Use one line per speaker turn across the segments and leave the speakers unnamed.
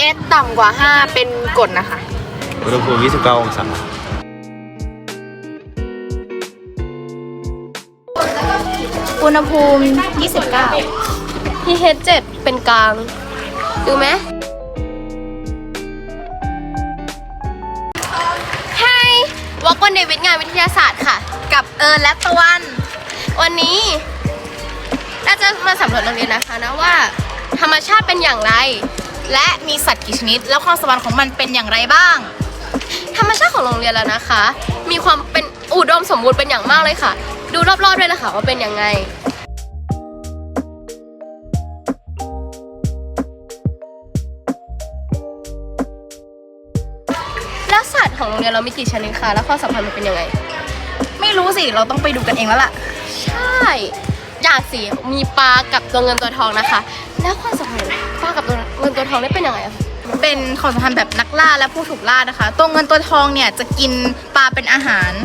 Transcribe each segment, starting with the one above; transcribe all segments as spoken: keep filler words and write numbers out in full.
pH ต่ำกว่าห้าเป็นกรดนะคะ
อุณหภูมิยี่สิบเก้าองศา
อุณหภูมิยี่สิบเก้า
pH เจ็ดเป็นกลางดูไหมไฮวอล์กวันเดย์วิทงานวิทยาศาสตร์ค่ะ
กับเอิญและตะวัน
วันนี้เราจะมาสำรวจโรงเรียนนะคะนะว่าธรรมชาติเป็นอย่างไร
และมีสัตว์กี่ชนิดแล้วความสมบัติของมันเป็นอย่างไรบ้าง
ธรรมชาติของโรงเรียนแล้วนะคะมีความเป็นอุดมสมบูรณ์เป็นอย่างมากเลยค่ะดูรอบๆด้วยนะคะว่าเป็นยังไงแล้วสัตว์ของโรงเรียนเรามีกี่ชนิดคะแล้วความสัมพันธ์มันเป็นยังไง
ไม่รู้สิเราต้องไปดูกันเองแล้วล่ะ
ใช่อย่างสิมีปลากับตัวเงินตัวทองนะคะแล้วความสัมพันธ์ปลากับตัวเงินตัวทองได้เป็นยังไงอะ
เป็นความสัมพันธ์แบบนักล่าและผู้ถูกล่านะคะตัวเงินตัวทองเนี่ยจะกินปลาเป็นอาหาร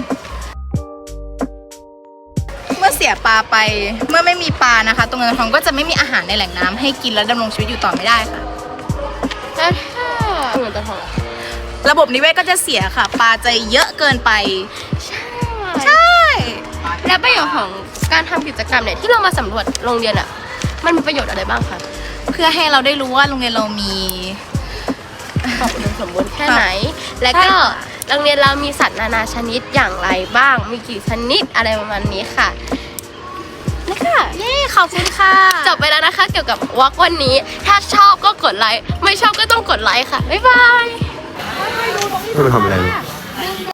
เมื่อเสียปลาไปเมื่อไม่มีปลานะคะตัวเงินตัวทองก็จะไม่มีอาหารในแหล่งน้ำให้กินและดำรงชีวิตอยู่ต่อไม่ได้ค่ะ
แล้วถ้าเงินตัวทอง
ระบบนิเวศก็จะเสียค่ะปลาจะเยอะเกินไป
ใช่
ใช่
และประโยชน์ของการทำกิจกรรมเนี่ยที่เรามาสำรวจโรงเรียนอ่ะมันมีประโยชน์อะไรบ้างคะ
เพื่อให้เราได้รู้ว่าโรงเรียนเรามี
ความอุดมสมบูรณ์แค่ไหนและก็โรงเรียนเรามีสัตว์นานาชนิดอย่างไรบ้างมีกี่ชนิดอะไรประมาณนี้ค่ะ
นี่ค่ะเย้ขอบคุณค่ะ
จบไปแล้วนะคะเกี่ยวกับวอล์กวันนี้ถ้าชอบก็กดไลค์ไม่ชอบก็ต้องกดไลค์ค่ะบ๊ายบาย
ไม่ไปทำอะไร